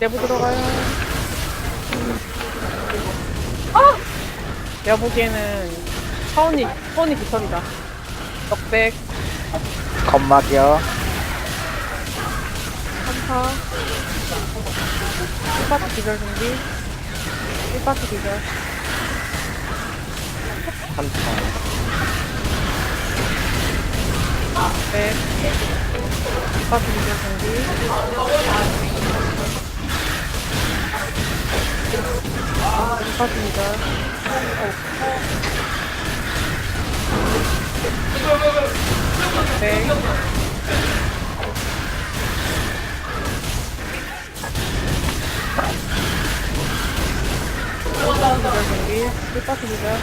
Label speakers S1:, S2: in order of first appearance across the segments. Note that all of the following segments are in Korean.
S1: 내부 들어가요. 아! 내가 보기에는 차원이 깃털이다. 넉백,
S2: 겁막이요.
S1: 3파, 1파트 기절 준비, 1파트 기절,
S2: 3차.
S1: 100, 1파트 기절 준비, 1파트 기절, 100, 기절 준비, 1파트 기절,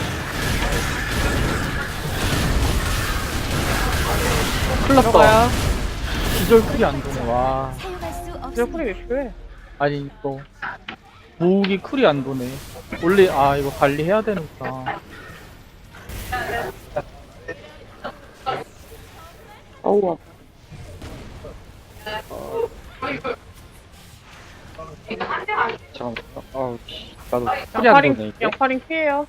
S3: 큰일났다.
S1: 들어가요.
S3: 기절 쿨이 안 도네. 와.
S4: 사용할 수
S1: 기절
S4: 없습니다.
S1: 쿨이 왜 필요해?
S3: 아니, 또. 무기 쿨이 안 도네. 원래, 이거 관리해야 되는구나.
S2: 어우, 잠깐만. 어우, 나도 쿨이 안 도네, 이게.
S1: 양파링 피해요.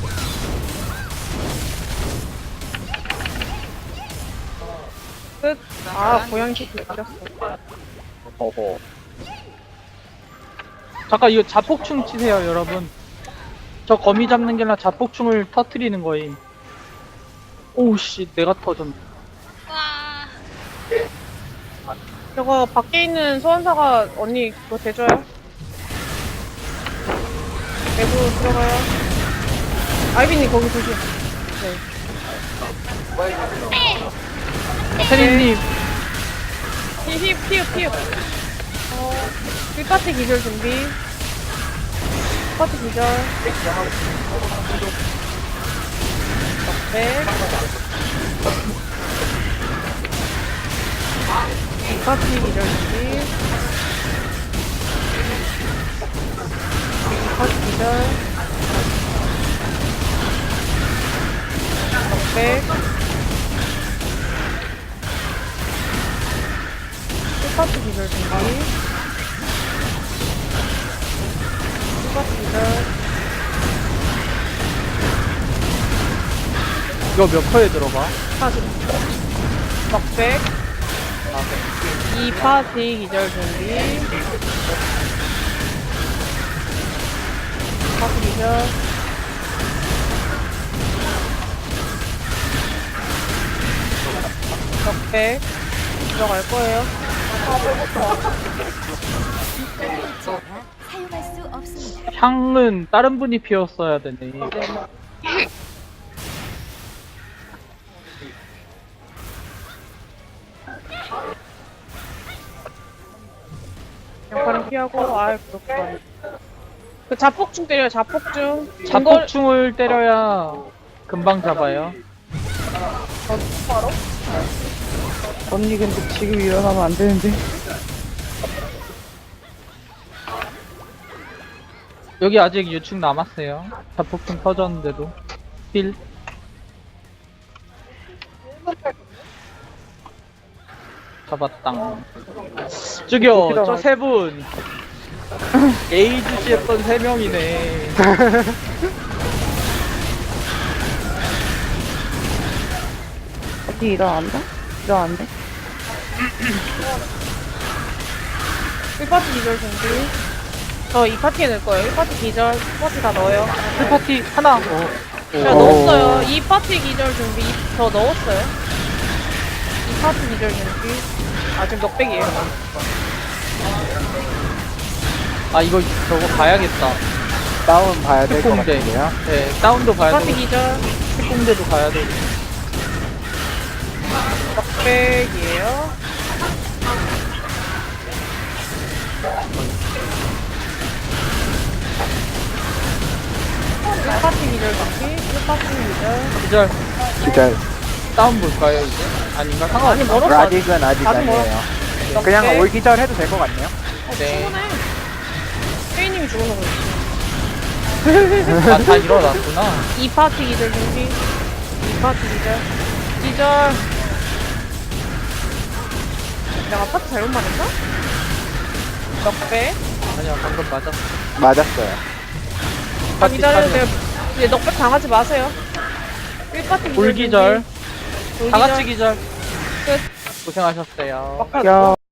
S1: 끝. 고양이 새끼 죽였어.
S2: 어허.
S3: 잠깐, 이거 자폭충 치세요, 여러분. 저 거미 잡는 게 아니라 자폭충을 터트리는 거임. 오우, 씨, 내가 터졌네.
S1: 저거 밖에 있는 소환사가 언니 그거 대줘요. 내부 들어가요. 아이비님 거기 조심. 네.
S3: 세린님,
S1: 피읍. 1파트 기절 준비. 1파트 기절. 네. 2파트 기절 준비. 2파트 기절. 100. 1파트 기절 준비. 1파트 기절.
S3: 이거 몇 퍼에 들어가?
S1: 100. 2파트 기절 준비. 2파트 기절. 100. 들어갈 거예요.
S4: 사용할 수 없습니다.
S3: 향은 다른 분이 피웠어야 되네.
S1: 양파랑 피하고, 그렇구나. 그 자폭충 때려요, 자폭충.
S3: 자폭충을 때려야 금방 잡아요.
S2: 언니, 근데 지금 일어나면 안 되는데.
S3: 여기 아직 유충 남았어요. 자폭충 터졌는데도. 힐. 잡았당. 저기요, 저 세 분. 에이즈씨 했던 세 명이네.
S2: 언니 일어난다? 일어난대?
S1: 1파트 기절 준비. 저 2파티에 넣을 거예요. 1파티 기절, 1파티 다 넣어요.
S3: 1파티 하나.
S1: 제가 넣었어요. 2파티 기절 준비. 저 넣었어요. 2파티 기절 준비. 지금 넉백이에요.
S3: 이거 저거 봐야겠다.
S2: 다운 봐야 될 것
S3: 특공대.
S2: 같은데요?
S3: 네, 다운도 봐야
S1: 2파티
S3: 되고,
S1: 기절.
S3: 특공대도 가야 되고.
S1: 넉백이에요. 파티 기절 준비. 1파티 기절.
S3: 기절.
S2: 기절.
S3: 다운 볼까요, 이제? 아닌가?
S1: 아니,
S3: 상관없어.
S1: 멀었어.
S2: 아직은 아직
S1: 아직
S2: 아니에요.
S1: 넉백.
S2: 그냥 올 기절 해도 될 것 같네요.
S3: 네.
S1: 충분해. 페이님이 죽어서 그렇지.
S3: 다 일어났구나.
S1: 2파티 기절 준비. 2파티 기절. 기절. 내가 파트 잘못 말했나? 넉배.
S3: 아니야, 방금 맞았어.
S2: 맞았어요.
S1: 아, 기다려도 돼요. 이제 넉백 당하지 마세요. 1파티 기절.
S3: 불기절.
S1: 준비.
S3: 다 같이 기절.
S1: 끝.
S3: 고생하셨어요.
S2: 야.